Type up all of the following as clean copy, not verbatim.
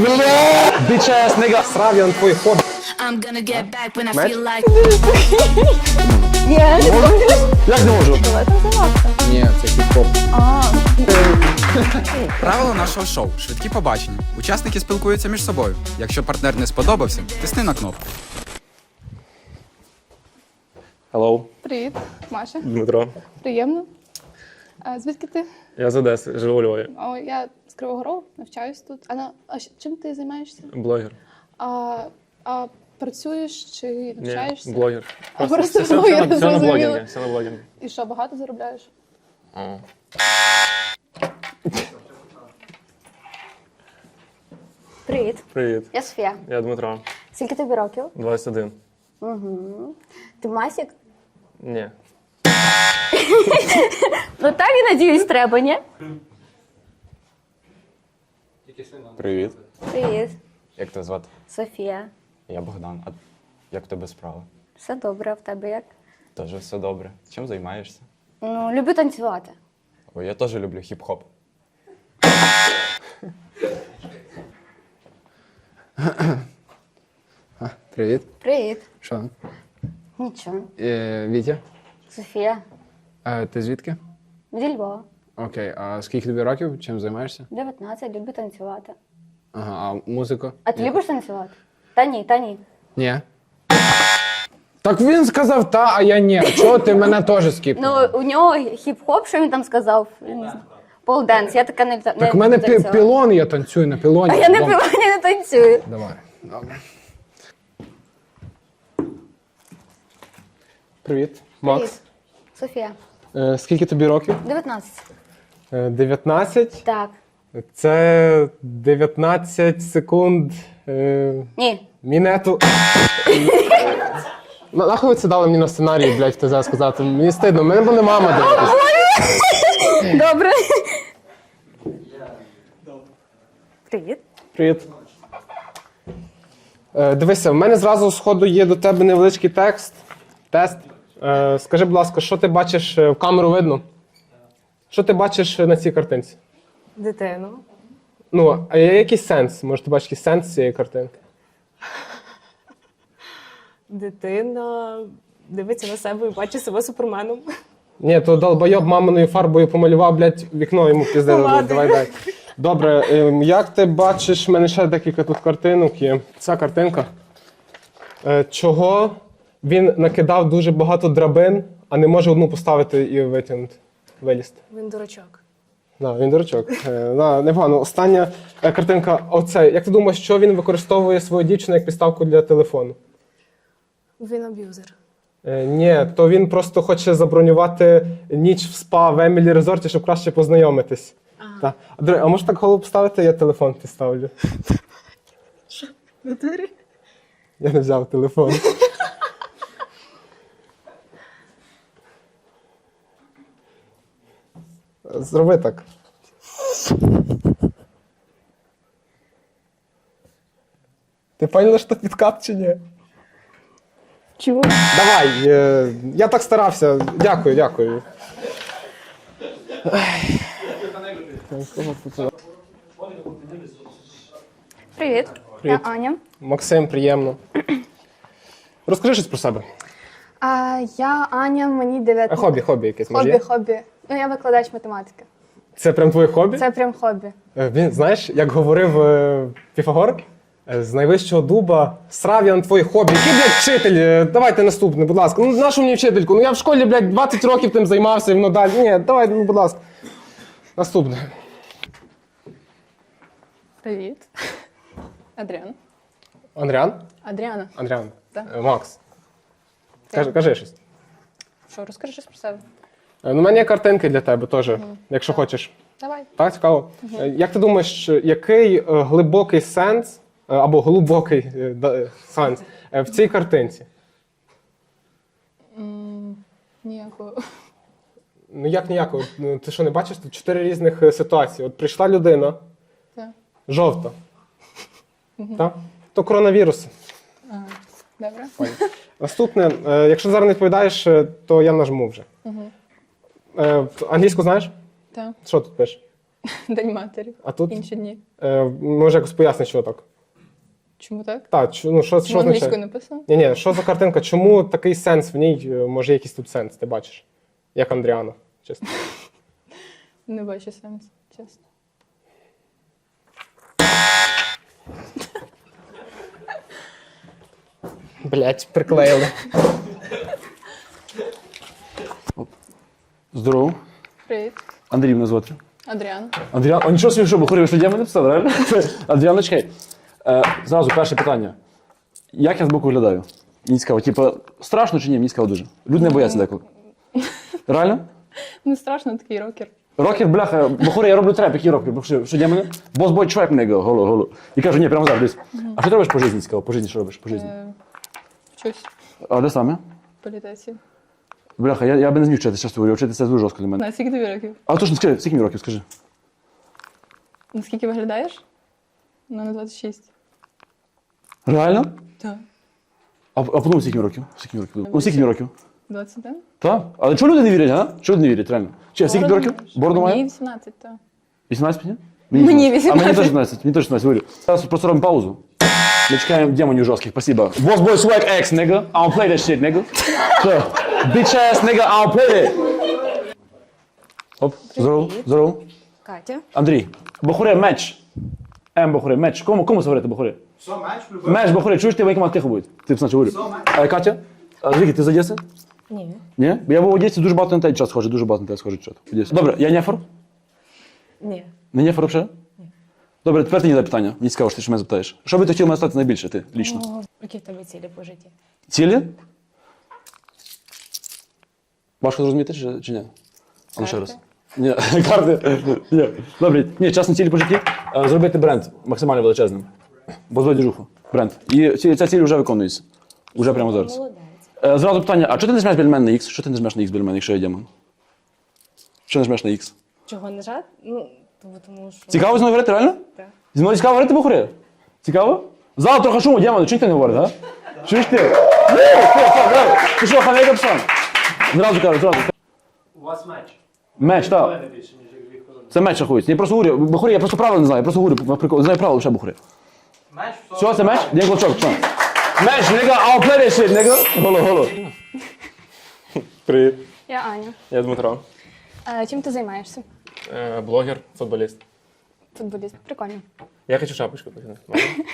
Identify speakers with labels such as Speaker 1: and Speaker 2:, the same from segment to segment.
Speaker 1: Bitch-ass nigga. Срав я на твої хобі.
Speaker 2: I'm gonna get back when I feel like.
Speaker 3: Ні, не можеш.
Speaker 1: Як не можу?
Speaker 3: Давай там залапка.
Speaker 1: Ні, це хіп-хоп.
Speaker 4: Правило нашого шоу – швидкі побачення. Учасники спілкуються між собою. Якщо партнер не сподобався, тисни на кнопку.
Speaker 1: Hello,
Speaker 5: Привіт, Маша.
Speaker 1: Дмитро.
Speaker 5: Приємно. А звідки ти?
Speaker 1: Я з Одеси, живу у Львові.
Speaker 5: О, я з Кривого Рогу, навчаюсь тут. Чим ти займаєшся?
Speaker 1: Блогер.
Speaker 5: А працюєш чи навчаєшся?
Speaker 1: Ні, блогер.
Speaker 5: Просто
Speaker 1: все,
Speaker 5: блогер,
Speaker 1: все на
Speaker 5: зрозуміло.
Speaker 1: блогінгі. Все на блогінгі.
Speaker 5: І що, багато заробляєш?
Speaker 3: Привіт.
Speaker 1: Привіт,
Speaker 3: Я Софія.
Speaker 1: я Дмитро.
Speaker 3: Скільки тобі років?
Speaker 1: 21.
Speaker 3: Ти масік?
Speaker 1: Ні.
Speaker 3: Ну так і надіюсь треба, ні?
Speaker 6: Привіт.
Speaker 3: Привіт.
Speaker 6: Як тебе звати?
Speaker 3: Софія.
Speaker 6: Я Богдан. А як в тебе справа?
Speaker 3: Все добре, а в тебе як?
Speaker 6: Теж все добре. Чим займаєшся?
Speaker 3: Ну, люблю танцювати.
Speaker 6: О, я теж люблю хіп-хоп.
Speaker 1: Привіт.
Speaker 3: Привіт.
Speaker 1: Що?
Speaker 3: Нічого.
Speaker 1: Вітя.
Speaker 3: Софія.
Speaker 1: Ти звідки?
Speaker 3: Зі Львова.
Speaker 1: Окей, а скільки тобі років? Чим займаєшся?
Speaker 3: 19, люблю танцювати.
Speaker 1: Ага, а музику?
Speaker 3: А ти любиш танцювати? Та ні, та ні.
Speaker 1: Ні. Так він сказав та, а я ні. А чого ти мене теж скіпнув?
Speaker 3: Ну, у нього хіп-хоп, що він там сказав? Я не знаю. Полденс, я така не
Speaker 1: Так в мене пілон, я танцюю на пілоні.
Speaker 3: А я не
Speaker 1: Дом.
Speaker 3: пілоні не танцюю.
Speaker 1: Давай. Добре. Привіт, Макс.
Speaker 3: Привіт. Софія.
Speaker 1: Скільки тобі років?
Speaker 3: 19.
Speaker 1: 19.
Speaker 3: Так.
Speaker 1: Це 19 секунд.
Speaker 3: Ні.
Speaker 1: Мінету. Нахуй ви це дали мені на сценарії, блядь, в ТЗ сказати? Мені стидно, мене буде мама дивитися.
Speaker 3: Добре. Привіт.
Speaker 1: Привіт. Дивися, в мене зразу з ходу є до тебе невеличкий тест. Скажи, будь ласка, що ти бачиш в камеру видно? Що ти бачиш на цій картинці?
Speaker 7: Дитину.
Speaker 1: Ну, а є якийсь сенс? Може, ти бачиш якийсь сенс цієї картинки?
Speaker 7: Дитина дивиться на себе і бачить себе суперменом.
Speaker 1: Ні, то долбойоб маминою фарбою помалював, блядь, вікно йому пізде.
Speaker 7: Ладно.
Speaker 1: Давай, дай. Добре, як ти бачиш, в мене ще декілька тут картинок є. Ця картинка. Чого він накидав дуже багато драбин, а не може одну поставити і витягнути, вилізти?
Speaker 7: Він дурачок.
Speaker 1: Да, він дурачок. Непогано. Остання картинка. Оце. Як ти думаєш, що він використовує свою дівчину як підставку для телефону?
Speaker 7: Він аб'юзер.
Speaker 1: Ні, то він просто хоче забронювати ніч в спа в Емілі Резорті, щоб краще познайомитись. Та. А може так голову поставити, я телефон підставлю?
Speaker 7: Що? Натурі?
Speaker 1: Я не взяв телефон. Зроби так. Ти поняла, що підкат чи ні?
Speaker 3: Чого?
Speaker 1: Давай, я так старався. Дякую, дякую.
Speaker 3: Привіт. Я Аня.
Speaker 1: Максим, приємно. Розкажи щось про себе.
Speaker 5: Я Аня, мені 19.
Speaker 1: Хобі якесь, може є?
Speaker 5: Хобі. Ну, я викладач математики.
Speaker 1: Це прям твоє хобі?
Speaker 5: Це прям хобі.
Speaker 1: Він, знаєш, як говорив Піфагор, з найвищого дуба срав я на твої хобі. Який, блядь, вчитель? Давайте наступне, будь ласка. Ну, нашу мені вчительку? Ну, я в школі, блядь, 20 років тим займався, і воно далі. Ні, давай, ну, будь ласка. Наступне.
Speaker 5: Привіт. Адріан.
Speaker 1: Андріан?
Speaker 5: Адріана.
Speaker 1: Андріан.
Speaker 5: Так.
Speaker 1: Макс. Кажи щось.
Speaker 5: Що, розкажи щось про себе?
Speaker 1: Ну, у мене є картинки для тебе теж, якщо хочеш.
Speaker 5: Давай.
Speaker 1: Так, цікаво. Як ти думаєш, який глибокий сенс, або глибокий сенс в цій картинці?
Speaker 5: Ніякого.
Speaker 1: Ну як ніякого? Ну, ти що, не бачиш? Тут 4 різних ситуації. От прийшла людина,
Speaker 5: Так.
Speaker 1: жовта. Так? То коронавірус.
Speaker 5: Добре.
Speaker 1: Наступне, якщо зараз не відповідаєш, то я нажму вже. Англійську знаєш?
Speaker 5: Так.
Speaker 1: Що тут пише?
Speaker 5: День матері.
Speaker 1: А тут
Speaker 5: Інші дні.
Speaker 1: може якось пояснити, що так.
Speaker 5: Чому так?
Speaker 1: Так, ну що
Speaker 5: Чому англійською
Speaker 1: означає?
Speaker 5: написано?
Speaker 1: Ні, що за картинка? Чому такий сенс в ній? Може, якийсь тут сенс, ти бачиш? Як Андріана, чесно.
Speaker 5: Не бачу сенс, чесно.
Speaker 1: Блять, приклеїли.
Speaker 8: Здорово.
Speaker 5: Привіт.
Speaker 8: Андрій мене звати.
Speaker 5: Адріан.
Speaker 8: Андріан, а нічого собі, що бухарів, що мене написали, реально? Андріан, чекай. Зразу перше питання. Як я збоку виглядаю? Мені цікаво, типу, страшно чи ні? Мені цікаво дуже. Люди не бояться деколи. Реально?
Speaker 5: Не страшно, такий рокер.
Speaker 8: Рокер, бляха, бухари, я роблю треп, який рокер? Що для мене? Бос бой чувак мене голо. І кажу, ні, прямо зараз, дивись. А що ти робиш по житті, цікаво? По житті що робиш? По житті?
Speaker 5: Вчусь
Speaker 8: А де саме?
Speaker 5: в політесі.
Speaker 8: Бляха, я би не зміг вчитися, чесно говорю, вчитися дуже жорстко для мене.
Speaker 5: На скільки тобі років?
Speaker 8: А точно, скажи, скільки мені років, скажи.
Speaker 5: Наскільки виглядаєш? Ну, на 26.
Speaker 8: Реально?
Speaker 5: Так.
Speaker 8: А подумай, скільки мені років? Скільки мені років? Ну, скільки мені років?
Speaker 5: 21?
Speaker 8: Так? Але чого люди не вірять, а? Чого люди не вірять, реально? Чи, скільки тобі років? Бороду
Speaker 5: Мені
Speaker 8: має?
Speaker 5: 18, так.
Speaker 8: 18 мені?
Speaker 5: Мені
Speaker 8: 18. А мені
Speaker 5: 18.
Speaker 8: теж 18, мені теж 18, говорю. Зараз просто робимо паузу. Ми чекаємо демонів жорстких, спасибо. Boss boy swag X, nigga. I don't play that shit, nigga. Що? Bitch ass, nigga, I don't play that. Оп, здорово.
Speaker 7: Катя.
Speaker 8: Андрій, Бохуре, меч. Бохуре, меч. Кому говорити Бохуре?
Speaker 9: Що, меч любив?
Speaker 8: Меч, Бохуре, чуєш ти, в якому тихо буде? Ти значить говорю. Катя, Звідки, ти з Одеси?
Speaker 7: Ні.
Speaker 8: Ні? Бо я був в Одесі, дуже багато на те час схожу, дуже багато на те схожу чат. Добре, я нефор?
Speaker 7: Ні.
Speaker 8: Не нефор взагалі? Ні. Добре, тепер ти не питання. Мені цікаво, що ти що мене запитаєш. Що би ти хотів мене стати найбільше, ти, лічно?
Speaker 7: Які в тебе цілі по житті?
Speaker 8: Цілі? Важко зрозуміти чи ні? А ну ще раз. Ні, карти. Ні. Добре, ні, чесно, цілі по житті. Зробити бренд максимально величезним. Бо зводь діжуху. Бренд. І ця ціль вже виконується. Уже прямо зараз.
Speaker 7: Молодець.
Speaker 8: Зразу питання, а чого ти не жмеш біля мене на X? Що ти не жмеш на X біля мене, якщо я демон? Що не жмеш на X?
Speaker 7: Чого не жати? Ну, тому що...
Speaker 8: Цікаво зі мною говорити, реально?
Speaker 7: Так.
Speaker 8: Зі мною цікаво говорити, Бухари? Цікаво? Зал трохи шуму, демони, чого ніхто не говорить, а? Чуєш ти? Ти що, хамейка псан? Зразу кажу.
Speaker 9: У вас меч.
Speaker 8: Меч, так.
Speaker 9: Більше, ніж дві хвилини.
Speaker 8: Це меч рахується. Я просто говорю, Бухарі, я просто правила не знаю, я просто говорю, не знаю правила лише Бухарі.
Speaker 9: Меч в
Speaker 8: Все, це меч? День клочок, псан. Меч, nigga, I'll play that shit, nigga. Голо.
Speaker 10: Привіт,
Speaker 3: Я Аня.
Speaker 10: я Дмитро.
Speaker 3: Чим ти займаєшся?
Speaker 10: Блогер, футболіст.
Speaker 3: Футболіст. Прикольно.
Speaker 10: Я хочу шапочку починати.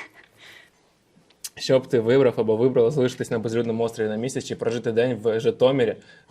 Speaker 10: Що б ти вибрав або вибрала залишитись на безлюдному острові на місяць чи прожити день в Житомирі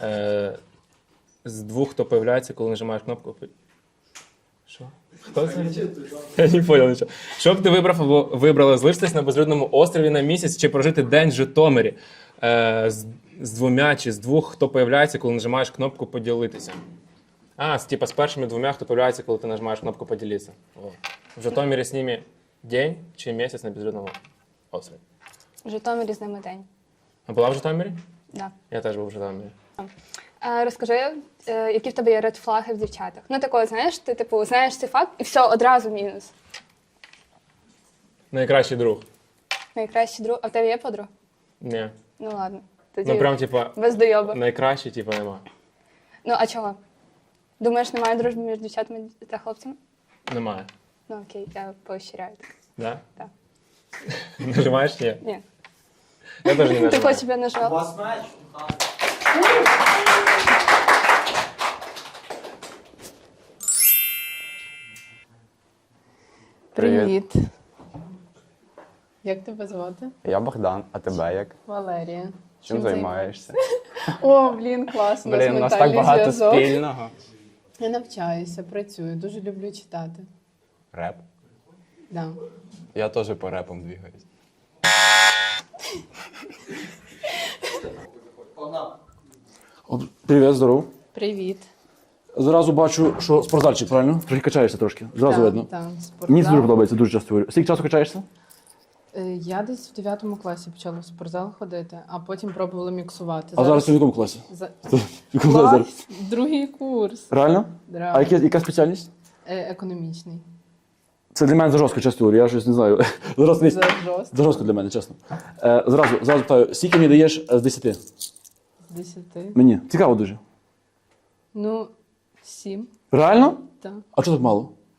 Speaker 10: з двох, хто появляється, коли нажимаєш кнопку. Що? Хто це? Я не понял нічого. Що б ти вибрав або вибрала залишитись на безлюдному острові на місяць чи прожити день в Житомирі з двома чи з двох, хто появляється, коли нажимаєш кнопку поділитися? Типа з першими двома, хто появляється, коли ти нажимаєш кнопку поділитися. О. В Житомирі з ними день чи місяць на безлюдному острові.
Speaker 3: В Житомирі з ними день.
Speaker 10: А була в Житомирі?
Speaker 3: Да.
Speaker 10: Я теж був в Житомирі.
Speaker 3: Розкажи, які в тебе є редфлаги в дівчатах. Ну, такого, знаєш, ти типу знаєш цей факт і все, одразу мінус.
Speaker 10: Найкращий друг.
Speaker 3: Найкращий друг. А в тебе є подруга?
Speaker 10: Ні.
Speaker 3: Ну ладно. Тоді
Speaker 10: Ну прям типа
Speaker 3: без дойоба.
Speaker 10: найкращий, типа нема.
Speaker 3: Ну, а чого? Думаєш, немає дружби між дівчатами та хлопцями?
Speaker 10: Немає.
Speaker 3: Ну окей, я поощряю.
Speaker 10: Да?
Speaker 3: Так.
Speaker 10: Нажимаєш? Ні.
Speaker 3: Ні.
Speaker 10: Я теж не
Speaker 3: Ти
Speaker 10: нажимаю.
Speaker 3: хочеш, щоб я
Speaker 9: У
Speaker 3: нажала?
Speaker 9: вас меч?
Speaker 5: Привіт. Як тебе звати?
Speaker 6: Я Богдан, а тебе як?
Speaker 5: Валерія.
Speaker 6: Чим займаєшся?
Speaker 5: О, блін, класно.
Speaker 6: Блін, у нас так багато спільного.
Speaker 5: Я навчаюся, працюю, дуже люблю читати.
Speaker 6: Реп.
Speaker 5: Да.
Speaker 6: Я теж по репам двигаюсь.
Speaker 8: Привіт, здорово.
Speaker 5: Привіт.
Speaker 8: Зразу бачу, що спортзальчик, правильно? Трохи качаєшся трошки. Зразу видно.
Speaker 5: Так,
Speaker 8: Мені це дуже подобається, дуже часто говорю. Скільки часу качаєшся?
Speaker 5: Я десь в 9 класі почала в спортзал ходити, а потім пробувала міксувати.
Speaker 8: А зараз ти в якому класі?
Speaker 5: За...
Speaker 8: В якому класі зараз?
Speaker 5: Клас, другий курс.
Speaker 8: Реально?
Speaker 5: Да.
Speaker 8: А яка спеціальність?
Speaker 5: Економічний.
Speaker 8: Це для мене за жорстко, чесно говорю, я щось не знаю. Зараз
Speaker 5: За жорстко.
Speaker 8: за жорстко для мене, чесно. Зразу питаю, скільки мені даєш з 10?
Speaker 5: З 10.
Speaker 8: Мені. Цікаво дуже.
Speaker 5: Ну, 7.
Speaker 8: Реально?
Speaker 5: Так.
Speaker 8: А чого так мало?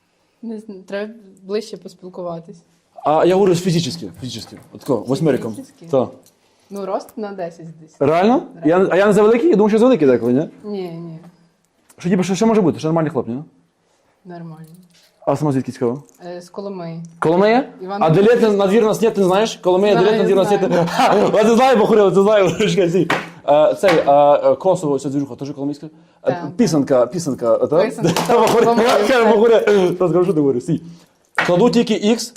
Speaker 5: Не знаю, треба ближче поспілкуватись.
Speaker 8: А я говорю фізично. Отако, восьмериком.
Speaker 5: Фізично?
Speaker 8: Так.
Speaker 5: Ну, рост на 10 десь.
Speaker 8: Реально? А я не завеликий? Я думаю, що завеликий деколи, ні?
Speaker 5: Ні,
Speaker 8: Що, типу, що може бути? Що нормальний хлоп, ні?
Speaker 5: нормально.
Speaker 8: А сама звідки цікаво?
Speaker 5: З Коломиї.
Speaker 8: Коломия?
Speaker 5: Іван
Speaker 8: А Делет на двір нас нет, ти не знаєш? Коломия,
Speaker 5: Знаю,
Speaker 8: Делет на двір нас нет.
Speaker 5: знаю.
Speaker 8: Ха, ти знаєш, Бахурила, ти знаєш. Чекай, стій. Цей, Косово, ця двіжуха, теж коломийська?
Speaker 5: Так.
Speaker 8: Пісенка, так?
Speaker 5: Писанка,
Speaker 8: Бахурила, скажу, що ти говориш, стій. Кладу тільки X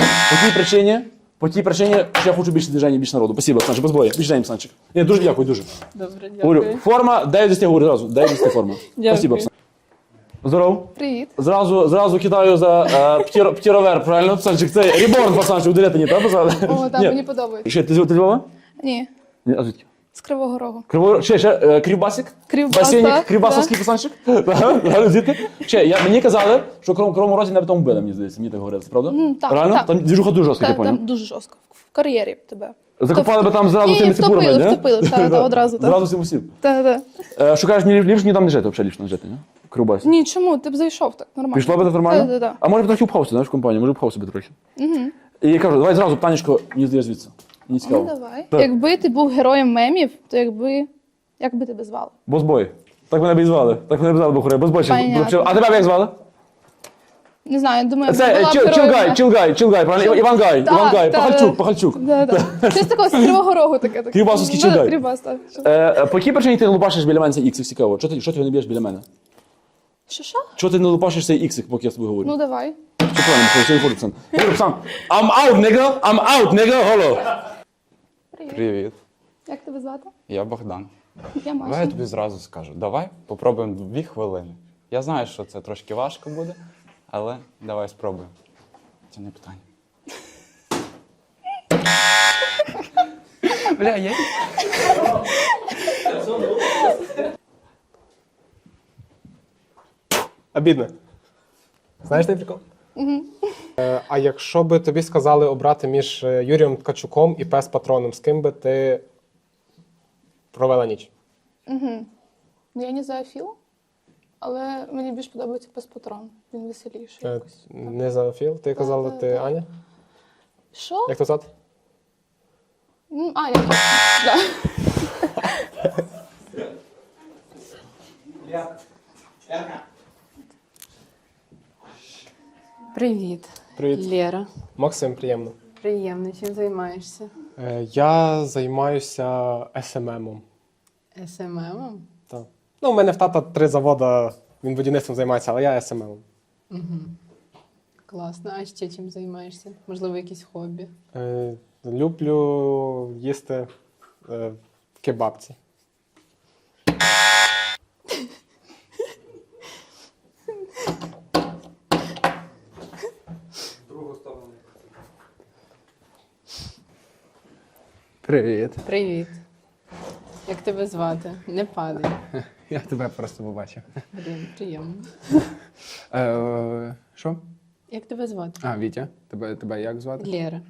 Speaker 8: по тій причині, що я хочу більше движення, більше народу. Спасибо, Оксанчик, без бою. Більше Оксанчик. Ні, дуже дякую, дуже.
Speaker 5: Добре,
Speaker 8: Говорю,
Speaker 5: дякую.
Speaker 8: форма, 9 10, говорю зразу, 9 10 форма.
Speaker 5: Дякую.
Speaker 8: Спасибо, Оксан. Здоров.
Speaker 3: Привіт.
Speaker 8: Зразу кидаю за птіровер, правильно, Оксанчик? Це реборн, пацанчик, у Делета, так писали?
Speaker 3: О, так,
Speaker 8: Ні.
Speaker 3: мені подобається.
Speaker 8: Ще, ти з Львова?
Speaker 3: Ні,
Speaker 8: Ні, а звідки?
Speaker 3: з Кривого Рогу.
Speaker 8: Ще, Кривбасик?
Speaker 3: Кривбас,
Speaker 8: Басейник,
Speaker 3: так,
Speaker 8: Кривбасовський пацанчик? Ага, звідки? Ще, мені казали, що Кривому Розі навіть там вбили, мені здається, мені так говорили, це правда?
Speaker 11: Так,
Speaker 8: Реально?
Speaker 11: так.
Speaker 8: Там двіжуха дуже жорстка, я поняв.
Speaker 11: Там дуже жорстко. В кар'єрі тебе.
Speaker 8: Закопали би там зразу
Speaker 11: Ні,
Speaker 8: цими ципурами, не?
Speaker 11: втопили, та, одразу. Та.
Speaker 8: Зразу всім усім.
Speaker 11: Та.
Speaker 8: Шукаєш, ліпше ні там не жити, взагалі ліпше не жити, не? В Кривбасі.
Speaker 11: Ні, чому? Ти б зайшов так, нормально.
Speaker 8: Пішло би так нормально?
Speaker 11: Та.
Speaker 8: А може б трохи впхався, знаєш, в компанію, може б впхав собі трохи. І я кажу, давай зразу питаннячко, мені здається звідси. Мені цікаво.
Speaker 11: Ну, давай.
Speaker 8: Так.
Speaker 11: Якби ти був героєм мемів, то як би тебе звали?
Speaker 8: Босбой. Так мене б і звали. Так мене б звали Бухуре. Босбойчик.
Speaker 11: Понятно.
Speaker 8: А тебе як звали?
Speaker 11: Не знаю, думаю,
Speaker 8: Це
Speaker 11: була б героєм.
Speaker 8: Чилгай, правильно? Іван Гай, Пахальчук.
Speaker 11: Да. Щось такого з Кривого Рогу таке.
Speaker 8: Кривбасовський
Speaker 11: Да,
Speaker 8: Чилгай.
Speaker 11: Кривбас, так.
Speaker 8: По якій причині ти не лупашиш біля мене цей іксик, цікаво? Чого ти його не б'єш біля мене?
Speaker 11: Що?
Speaker 8: Чого ти не лупашиш цей іксик, поки я з тобою говорю?
Speaker 11: Ну, давай.
Speaker 8: Що правильно, що виходить, пацан? Говорю, пацан, I'm out, nigga, hello.
Speaker 6: Привіт.
Speaker 11: Як тебе звати?
Speaker 6: Я Богдан.
Speaker 11: Я
Speaker 6: Давай
Speaker 11: Маша.
Speaker 6: я тобі зразу скажу. Давай попробуємо 2 хвилини. Я знаю, що це трошки важко буде, але давай спробуємо. Це не питання. Бля, я...
Speaker 1: Обідно. Знаєш цей прикол? А якщо би тобі сказали обрати між Юрієм Ткачуком і Пес-патроном, з ким би ти провела ніч?
Speaker 11: Ну, я не зоофіл, але мені більш подобається пес-патрон. Він веселіший якось.
Speaker 1: Не Зоофіл? Ти казала, ти Аня?
Speaker 11: Що?
Speaker 1: Як тебе звати?
Speaker 11: Аня. Да.
Speaker 5: Привіт.
Speaker 1: Привіт.
Speaker 5: Лєра.
Speaker 1: Максим, приємно.
Speaker 5: Приємно. Чим займаєшся?
Speaker 1: Я займаюся СММом.
Speaker 5: СММом?
Speaker 1: Так. Ну, у мене в тата 3 заводи, він будівництвом займається, але я СММом.
Speaker 5: Класно. А ще чим займаєшся? Можливо, якісь хобі?
Speaker 1: Люблю їсти в кебабці.
Speaker 12: Привіт.
Speaker 5: Привіт. Як тебе звати? Не падай.
Speaker 12: Я тебе просто побачив.
Speaker 5: Блін, приємно.
Speaker 12: Що?
Speaker 5: Як тебе звати?
Speaker 12: А, Вітя. Тебе як звати?
Speaker 5: Лєра.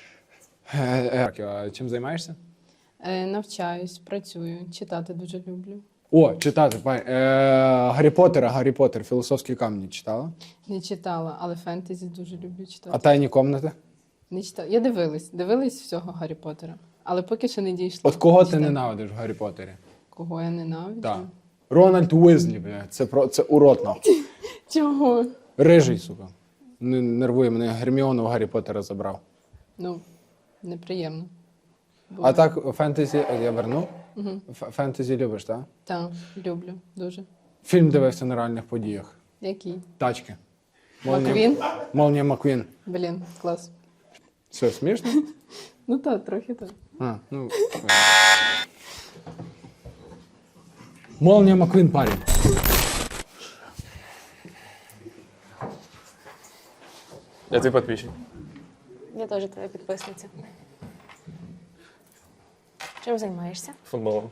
Speaker 12: А чим займаєшся?
Speaker 5: Навчаюсь, працюю, читати дуже люблю.
Speaker 12: О, читати. Гаррі Поттер, філософські камні читала?
Speaker 5: Не читала, але фентезі дуже люблю читати.
Speaker 12: А тайні комнати?
Speaker 5: Не читала. Я дивилась всього Гаррі Поттера, але поки що не дійшла.
Speaker 12: От кого
Speaker 5: Не
Speaker 12: ти
Speaker 5: читала.
Speaker 12: ненавидиш в Гаррі Поттері?
Speaker 5: Кого я ненавиджу?
Speaker 12: Так. Рональд Уизлі, бля. Це урод, нахуй.
Speaker 5: Чого?
Speaker 12: Рижий, сука. Нервує мене. Герміону в Гаррі Поттера забрав.
Speaker 5: Ну, неприємно.
Speaker 12: А так, фентезі, я верну? Фентезі любиш, так?
Speaker 5: Так, люблю дуже.
Speaker 12: Фільм дивився на реальних подіях.
Speaker 5: Який?
Speaker 12: Тачки.
Speaker 5: Маквін?
Speaker 12: Молнія Маквін.
Speaker 5: Блін, клас.
Speaker 12: Все, смішно?
Speaker 5: Ну так, трохи так.
Speaker 12: А, ну. Молнія Маквін, парень.
Speaker 10: Я твій підписчик.
Speaker 7: Я теж твоя підписниця. Чим займаєшся?
Speaker 10: Футболом.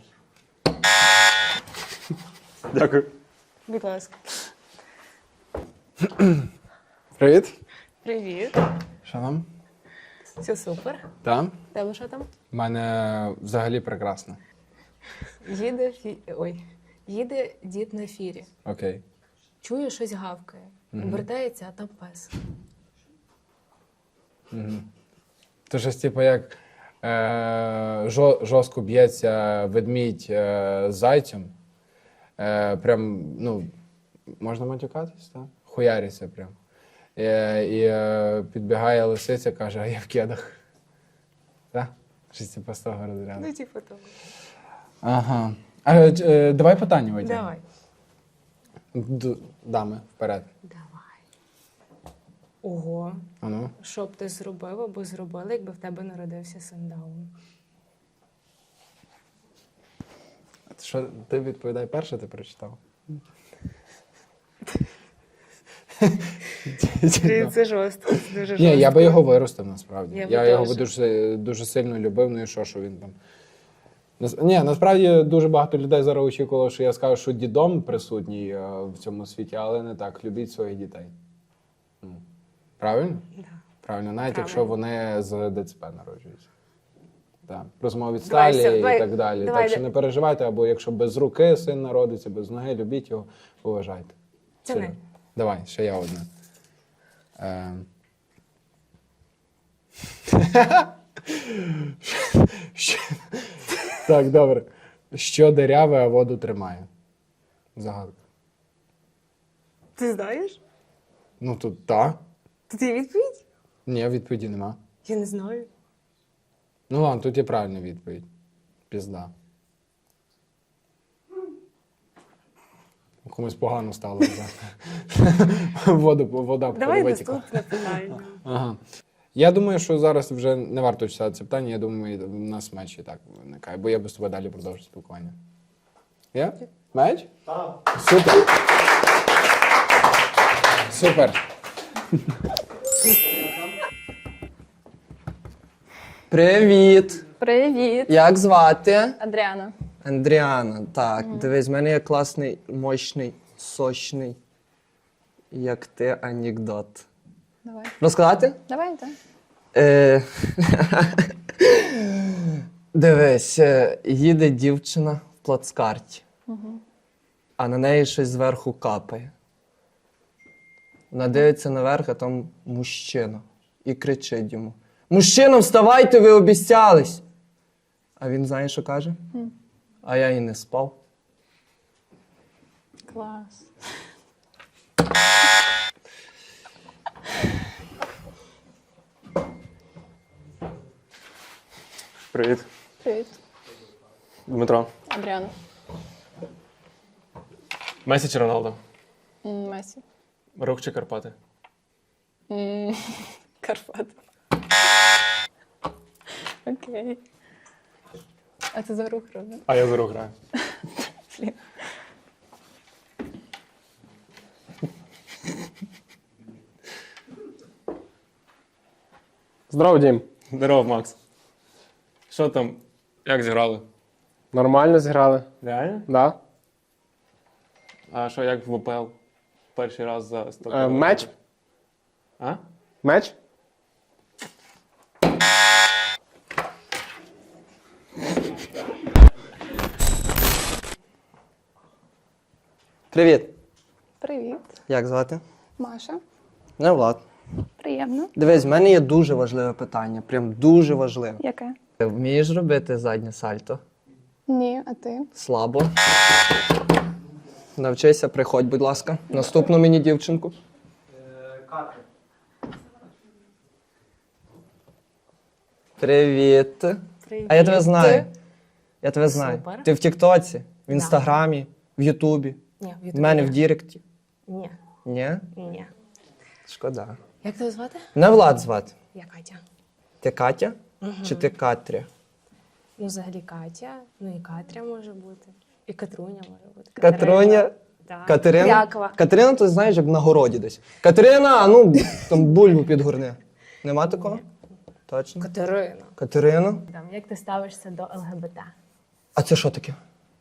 Speaker 1: Дякую.
Speaker 7: Будь ласка.
Speaker 12: Привіт.
Speaker 7: Привіт.
Speaker 12: Що там?
Speaker 7: Все супер.
Speaker 12: Там?
Speaker 7: Тебе що там?
Speaker 12: У мене взагалі прекрасно.
Speaker 7: Їде дід на фірі.
Speaker 12: Окей.
Speaker 7: Чує, щось гавкає. Обертається, а там пес.
Speaker 12: То щось, типу, як жорстко б'ється ведмідь з зайцем. Прям, ну, можна матюкатись, так? Хуяриться прям. І підбігає лисиця, каже, а я в кедах. Так? Щось типу з того розряду.
Speaker 7: Ну, типу того.
Speaker 12: Ага. Давай питання витягнемо.
Speaker 7: Давай.
Speaker 12: Дами, вперед.
Speaker 7: Давай. Ого.
Speaker 12: А ну.
Speaker 7: Що б ти зробив або зробила, якби в тебе народився син Даун?
Speaker 12: Що, ти відповідай перше, ти прочитав?
Speaker 7: Це жорстко, це дуже жорстко.
Speaker 12: Ні, я би його виростив насправді.
Speaker 7: Я
Speaker 12: Я
Speaker 7: би
Speaker 12: його
Speaker 7: теж.
Speaker 12: дуже сильно любив, ну і що він там. Ні, насправді дуже багато людей зараз очікувало, що я скажу, що дідом присутній в цьому світі, але не так. Любіть своїх дітей. Правильно?
Speaker 7: Да.
Speaker 12: Правильно, навіть
Speaker 7: Правильно.
Speaker 12: якщо вони з ДЦП народжуються. Так. Розмови від
Speaker 7: Давай,
Speaker 12: сталі
Speaker 7: давай,
Speaker 12: і так далі.
Speaker 7: давай,
Speaker 12: Так що не переживайте, або якщо без руки син народиться, без ноги, любіть його, поважайте.
Speaker 7: Це
Speaker 12: Серйозно. Давай, ще я одне. Так, добре. Що деряве, а воду тримає? Загадка.
Speaker 7: Ти знаєш?
Speaker 12: Ну тут так.
Speaker 7: Тут є відповідь?
Speaker 12: Ні, відповіді нема.
Speaker 7: Я не знаю.
Speaker 12: Ну ладно, тут є правильна відповідь. Пізда. Комусь погано стало вже. Вода
Speaker 7: Давай
Speaker 12: витікла.
Speaker 7: наступне питання.
Speaker 12: Ага. Я думаю, що зараз вже не варто читати це питання. Я думаю, в нас меч і так виникає, бо я без тебе далі продовжу спілкування. Є? Меч? Так. Супер. Супер.
Speaker 13: Привіт!
Speaker 3: Привіт!
Speaker 13: Як звати?
Speaker 3: Адріана.
Speaker 13: Андріана. Так, дивись, в мене є класний, мощний, сочний, як ти, анекдот.
Speaker 3: Давай.
Speaker 13: Розказати?
Speaker 3: Давайте.
Speaker 13: Дивись, їде дівчина в плацкарті, а на неї щось зверху капає. Вона дивиться наверх, а там мужчина. І кричить йому: «Мужчина, вставайте, ви обіцялись!» А він знає, що каже? А я і не спав.
Speaker 3: Клас.
Speaker 10: Привіт,
Speaker 3: Привіт.
Speaker 10: Дмитро.
Speaker 3: Адріана.
Speaker 10: Месі чи Роналдо?
Speaker 3: Месі.
Speaker 10: Рух чи Карпати?
Speaker 3: Карпат. Окей. А це за рух робить?
Speaker 10: А я за рух граю.
Speaker 3: Блін.
Speaker 1: Здорово, Дім.
Speaker 10: Здоров, Макс. Що там? Як зіграли?
Speaker 1: Нормально зіграли.
Speaker 10: Реально?
Speaker 1: Да.
Speaker 10: А що, як в ВПЛ? Перший раз за 100
Speaker 1: Меч?
Speaker 10: А?
Speaker 1: Меч?
Speaker 13: Привіт.
Speaker 3: Привіт.
Speaker 13: Як звати?
Speaker 3: Маша.
Speaker 13: Не Влад.
Speaker 3: Приємно.
Speaker 13: Дивись, в мене є дуже важливе питання. Прям дуже важливе.
Speaker 3: Яке?
Speaker 13: Вмієш робити заднє сальто?
Speaker 3: Ні, а ти?
Speaker 13: Слабо. Навчися, приходь, будь ласка. Наступну мені дівчинку.
Speaker 9: Катя.
Speaker 13: Привіт.
Speaker 7: Привіт.
Speaker 13: А я тебе знаю.
Speaker 3: Ти?
Speaker 13: Я тебе знаю.
Speaker 7: Супер.
Speaker 13: Ти в Тіктоці, в Інстаграмі, в Ютубі,
Speaker 7: Ні,
Speaker 13: в мене в Діректі.
Speaker 7: Ні,
Speaker 13: Ні?
Speaker 7: ні.
Speaker 13: Шкода.
Speaker 7: Як тебе звати?
Speaker 13: Мене Влад звати.
Speaker 7: Я Катя.
Speaker 13: Ти Катя? Чи ти Катря?
Speaker 7: Ну, взагалі Катя, ну і Катря може бути. І Катруня може бути.
Speaker 13: Катруня?
Speaker 7: Так.
Speaker 13: Катерина?
Speaker 7: Якова.
Speaker 13: Катерина, то знаєш, як на городі десь. Катерина, а ну там бульбу підгорни. Нема такого? Точно?
Speaker 7: Катерина.
Speaker 13: Катерина?
Speaker 7: Там, як ти ставишся до ЛГБТ?
Speaker 13: А це що таке?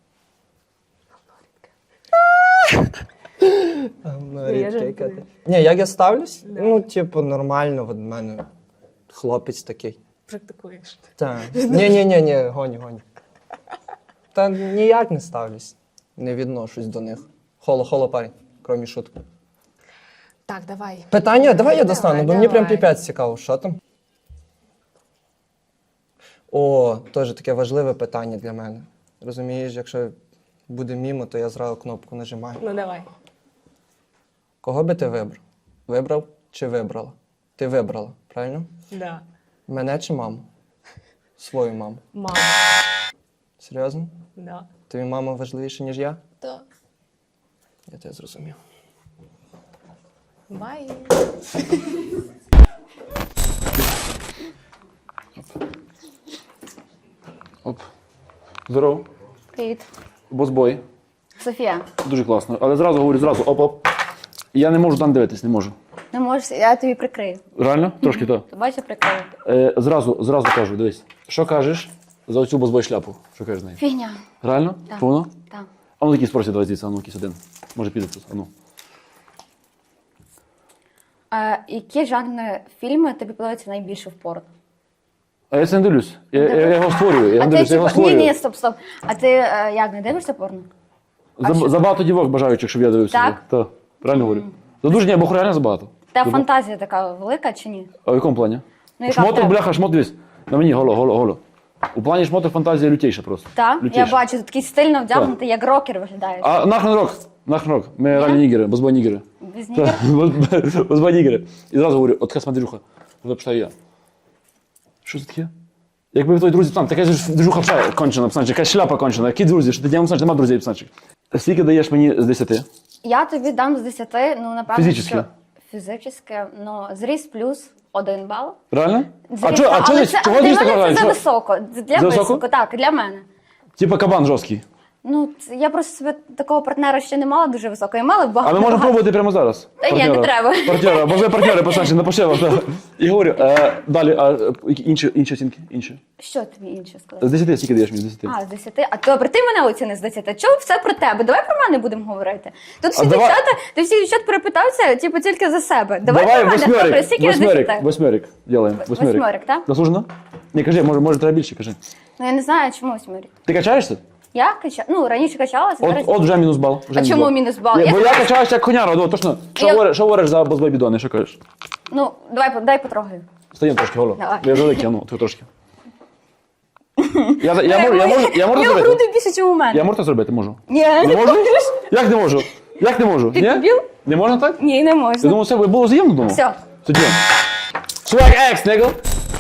Speaker 7: Я жартую.
Speaker 13: Ні, як я ставлюсь? Ну, типу, нормально, от в мене хлопець такий.
Speaker 7: Практикуєш.
Speaker 13: Так. Ні, гоні. Та ніяк не ставлюсь. Не відношусь до них. Холо, парень, крім шутки.
Speaker 7: Так, давай.
Speaker 13: Питання? Давай я достану, бо мені прям
Speaker 7: давай.
Speaker 13: піпець цікаво. Що там? О, теж таке важливе питання для мене. Розумієш, якщо буде мімо, то я зразу кнопку нажимаю.
Speaker 7: Ну давай.
Speaker 13: Кого би ти вибрав? Вибрав чи вибрала? Ти вибрала, правильно?
Speaker 7: Да.
Speaker 13: Мене чи маму? Свою маму.
Speaker 7: Мама.
Speaker 13: Серйозно?
Speaker 7: Да.
Speaker 13: Тобі мама важливіша, ніж я?
Speaker 7: Так.
Speaker 13: Я тебе зрозумів.
Speaker 7: Бай.
Speaker 8: Оп. Здорово.
Speaker 3: Привіт.
Speaker 8: Босбой.
Speaker 3: Софія,
Speaker 8: Дуже класно. Але зразу говорю, зразу, оп-оп. Я не можу там дивитись, не можу.
Speaker 3: не можеш, я тобі прикрию.
Speaker 8: Реально? Трошки то.
Speaker 3: Бачиш, прикрию.
Speaker 8: Зразу кажу, дивись. Що кажеш за оцю босбой шляпу? Що кажеш з нею?
Speaker 3: Фігня.
Speaker 8: Реально?
Speaker 3: Так.
Speaker 8: Повно?
Speaker 3: Так.
Speaker 8: А ну якийсь спросить, давай звідси, а ну якийсь один. Може піде тут, а ну.
Speaker 3: Які жанри фільми тобі подобаються найбільше в порно?
Speaker 8: А я це не дивлюсь. Я його створюю. Я
Speaker 3: А
Speaker 8: не
Speaker 3: ти
Speaker 8: дивлюсь, я його
Speaker 3: ні,
Speaker 8: створюю.
Speaker 3: ні, стоп. А ти як, не дивишся порно?
Speaker 8: Забагато дівок бажаючих, щоб я дивився.
Speaker 3: Так?
Speaker 8: Так. Правильно говорю? За дуже ні, або реально забагато.
Speaker 3: Та фантазія така велика чи ні?
Speaker 8: А в якому плані?
Speaker 3: Ну, яка в
Speaker 8: Шмоток,
Speaker 3: тебе?
Speaker 8: бляха, шмот, дивись. На мені, голо. У плані шмоток фантазія лютейша просто.
Speaker 3: Так, я
Speaker 8: Лютейша.
Speaker 3: бачу, ти такий стильно вдягнутий, як рокер виглядаєш.
Speaker 8: А нахрен рок. Ми реальні нігери, бозбой нігери.
Speaker 3: Без нігер?
Speaker 8: Бозбой нігери. І зразу говорю, от така смотрюха. Туди пішла і я. Що це таке? Якби твої друзі там, така ж движуха пша кончена, псанчик, якась шляпа кончена. Які друзі, що ти діям псанчик, нема друзів, псанчик. Скільки даєш мені з 10?
Speaker 3: Я тобі дам з 10, ну, напевно,
Speaker 8: Фізичне?
Speaker 3: що... Фізичне, ну, зріс плюс 1 бал.
Speaker 8: Реально?
Speaker 3: Зріс,
Speaker 8: А чого
Speaker 3: але
Speaker 8: десь?
Speaker 3: це,
Speaker 8: Чого
Speaker 3: для
Speaker 8: десь
Speaker 3: мене
Speaker 8: така?
Speaker 3: це зависоко. Для
Speaker 8: Зависоко?
Speaker 3: високо, так, для мене.
Speaker 8: Типа кабан жорсткий.
Speaker 3: Ну, я просто себе такого партнера ще не мала дуже високого. Я мала багато.
Speaker 8: А ми можемо пробувати прямо зараз.
Speaker 3: Та ні, не треба.
Speaker 8: Партнера, бо ви партнери, пацанчик, напиши вам. так. І говорю, далі, інші оцінки? Інші.
Speaker 3: Що тобі інше сказати?
Speaker 8: З 10 скільки даєш мені? З 10.
Speaker 3: А, з 10. А добре, ти мене оціни з 10. Чого все про тебе? Давай про мене будемо говорити. Тут всі
Speaker 8: давай-
Speaker 3: дівчата, ти всіх дівчат перепитався, типу, тільки за себе. Давай про мене. Добре, скільки з 10?
Speaker 8: Восьмерик. Делаем.
Speaker 3: Восьмерик, так?
Speaker 8: Заслужено? Ні, кажи, може треба більше, кажи.
Speaker 3: Ну, я не знаю, чому 8.
Speaker 8: Ти качаєшся?
Speaker 3: Я качала, ну, раніше качалася, зараз...
Speaker 8: От вже мінус бал. Вже
Speaker 3: А чому мінус бал?
Speaker 8: Бо я качаюся як коняра, ну, точно. Що говориш за бозбой бідони, що кажеш?
Speaker 3: Ну, дай потрогаю.
Speaker 8: Стаємо трошки, голо.
Speaker 3: Давай.
Speaker 8: Я великий, ну, ти трошки. Я можу
Speaker 3: У нього
Speaker 8: зробити?
Speaker 3: груди більше, ніж у мене.
Speaker 8: Я можу це зробити? Можу.
Speaker 3: Ні,
Speaker 8: Не можу? Як не можу? Як не можу?
Speaker 3: Ти
Speaker 8: Ні?
Speaker 3: дебіл?
Speaker 8: Не можна так?
Speaker 3: Ні, не
Speaker 8: Я
Speaker 3: можна.
Speaker 8: думав, це було взаємно, думав.
Speaker 3: Все.
Speaker 8: Тоді. Swag X, nigga!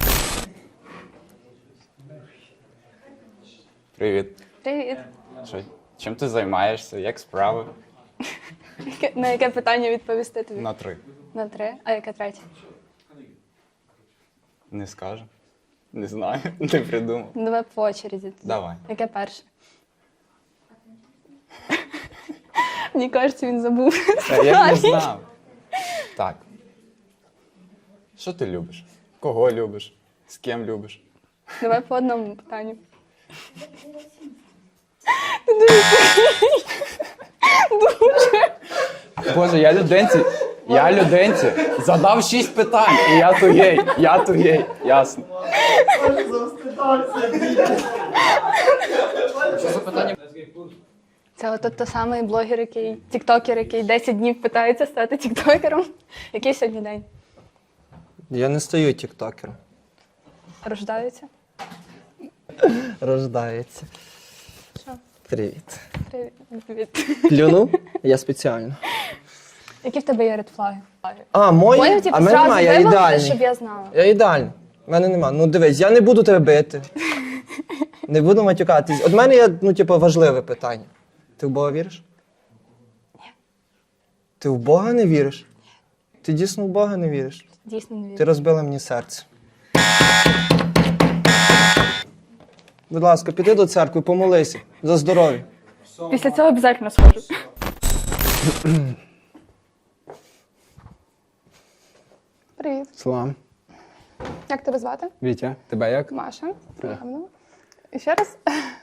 Speaker 6: Привіт.
Speaker 3: Привіт.
Speaker 6: Що, чим ти займаєшся? Як справи?
Speaker 3: На яке питання відповісти тобі?
Speaker 6: На 3.
Speaker 3: На 3. А яке третє?
Speaker 6: Не скажу. Не знаю, не придумав.
Speaker 3: Ну, давай по очереді. тоді.
Speaker 6: Давай.
Speaker 3: Яке перше? Мені кажеться, він забув.
Speaker 6: Я не знав. Так. Що ти любиш? Кого любиш? З ким любиш?
Speaker 3: Давай по одному питанню.
Speaker 6: Боже, я людинці задав 6 питань, і я тугей, ясно.
Speaker 3: Це от той самий блогер, тіктокер, який 10 днів питається стати тіктокером. Який сьогодні день?
Speaker 13: Я не стаю тіктокером.
Speaker 3: Рождаються?
Speaker 13: Рождається.
Speaker 3: Що?
Speaker 13: Привіт.
Speaker 3: Привіт.
Speaker 13: Плюнув? Я спеціально.
Speaker 3: Які в тебе є редфлаги?
Speaker 13: А, мої?
Speaker 3: Поняв, типу,
Speaker 13: А мене
Speaker 3: зразу
Speaker 13: немає, я
Speaker 3: вимовити,
Speaker 13: ідеальний.
Speaker 3: щоб я знала.
Speaker 13: Я ідеальний. У мене нема. Ну дивись, я не буду тебе бити. Не буду матюкатись. От мене є, ну, типу, важливе питання. Ти в Бога віриш? Ні. Ти в Бога не віриш? Ти дійсно в Бога не віриш?
Speaker 3: Дійсно не
Speaker 13: Ти
Speaker 3: вірю.
Speaker 13: розбила мені серце. Будь ласка, піди до церкви, помолися за здоров'я.
Speaker 3: Після цього обов'язково схожу. Привіт.
Speaker 12: Салам.
Speaker 3: Як тебе звати?
Speaker 12: Вітя, тебе як?
Speaker 3: Маша. Приємно. І ще раз.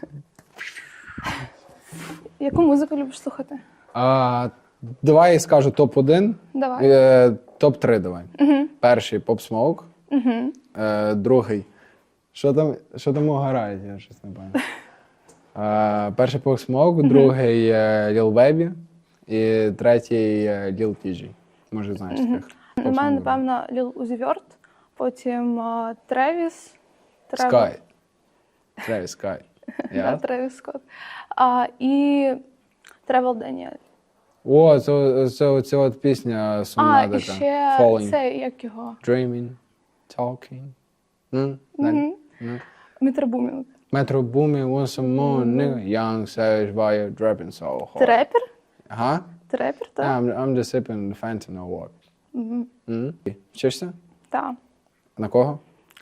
Speaker 3: Яку музику любиш слухати?
Speaker 12: Давай я скажу топ-1.
Speaker 3: Давай.
Speaker 12: Топ-3 давай. Перший Pop Smoke. Другий. Що там грають, я щось не пам'ятаю. Перший Pop Smoke, другий Lil Baby і третій Lil TG. Може, знаєш таких.
Speaker 11: У мене, напевно, Lil Uzi Vert, потім Тревіс.
Speaker 12: Sky. Travis Sky.
Speaker 11: Да, Тревіс Скотт. І Тревел Даніель.
Speaker 12: О, це от пісня сумна
Speaker 11: І
Speaker 12: така.
Speaker 11: ще
Speaker 12: Falling.
Speaker 11: цей, як його?
Speaker 12: Dreaming. Talking. Далі.
Speaker 11: Метро Бумінг.
Speaker 12: Metro Boomin, want some more, nigga. Young, savage, fire, dropping so hard.
Speaker 11: Трепер?
Speaker 12: Ага.
Speaker 11: Трепер, так?
Speaker 12: I'm just sipping the Fenton or what. Вчишся?
Speaker 11: Так.
Speaker 12: На кого?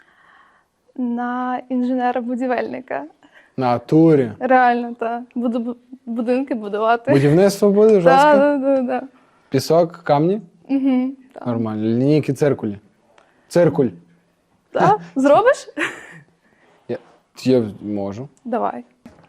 Speaker 11: На інженера-будівельника.
Speaker 12: На турі.
Speaker 11: Реально, так. Буду будинки будувати.
Speaker 12: Будівництво буде жорстко?
Speaker 11: Так.
Speaker 12: Пісок, камні? Нормально. Лінійки, циркулі. Циркуль.
Speaker 11: Так? Зробиш?
Speaker 12: Я можу.
Speaker 11: Давай.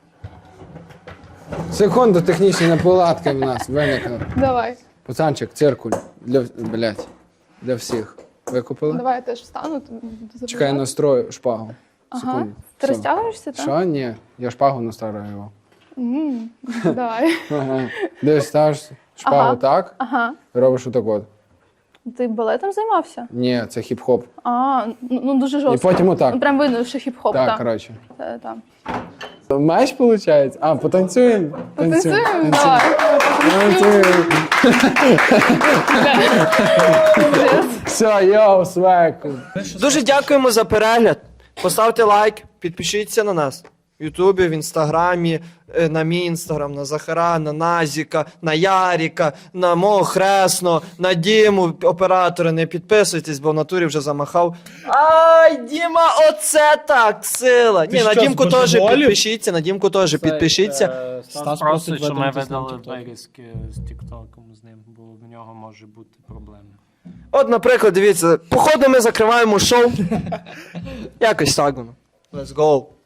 Speaker 12: Секунду, технічні неполадки в нас виникли.
Speaker 11: Давай.
Speaker 12: Пацанчик, циркуль. Для всіх. Викупили?
Speaker 11: Давай я теж встану.
Speaker 12: Чекай, настрою шпагу.
Speaker 11: Ага.
Speaker 12: Секунду.
Speaker 11: Ти
Speaker 12: Що?
Speaker 11: розтягуєшся, так?
Speaker 12: Що? Ні. Я шпагу настрою його.
Speaker 11: Давай.
Speaker 12: Ага. Дивись, ставиш шпагу так,
Speaker 11: Ага.
Speaker 12: робиш отак от.
Speaker 11: Ти балетом займався?
Speaker 12: Ні, це хіп-хоп.
Speaker 11: Ну дуже жорстко.
Speaker 12: І потім отак.
Speaker 11: Ну, прям видно, що хіп-хоп,
Speaker 12: Так,
Speaker 11: так.
Speaker 12: коротше.
Speaker 11: Так.
Speaker 12: Меч, виходить? А, потанцюємо?
Speaker 11: Потанцюємо? Давай.
Speaker 12: Танцюємо. Все, йоу, свеку.
Speaker 9: Дуже дякуємо за перегляд. Поставте лайк, підпишіться на нас. В Ютубі, в Інстаграмі, на мій Інстаграм, на Захара, на Назіка, на Яріка, на мого Хресно, на Діму, оператори, не підписуйтесь, бо в натурі вже замахав. Ай, Діма, оце так, сила! Ні, на Дімку теж підпишіться, на Дімку теж підпишіться.
Speaker 10: Стас
Speaker 9: просить, щоб ми видали вирізки з Тіктоком з ним, бо в нього може бути проблеми. От, наприклад, дивіться, походу ми закриваємо шоу. Якось так воно. Let's go.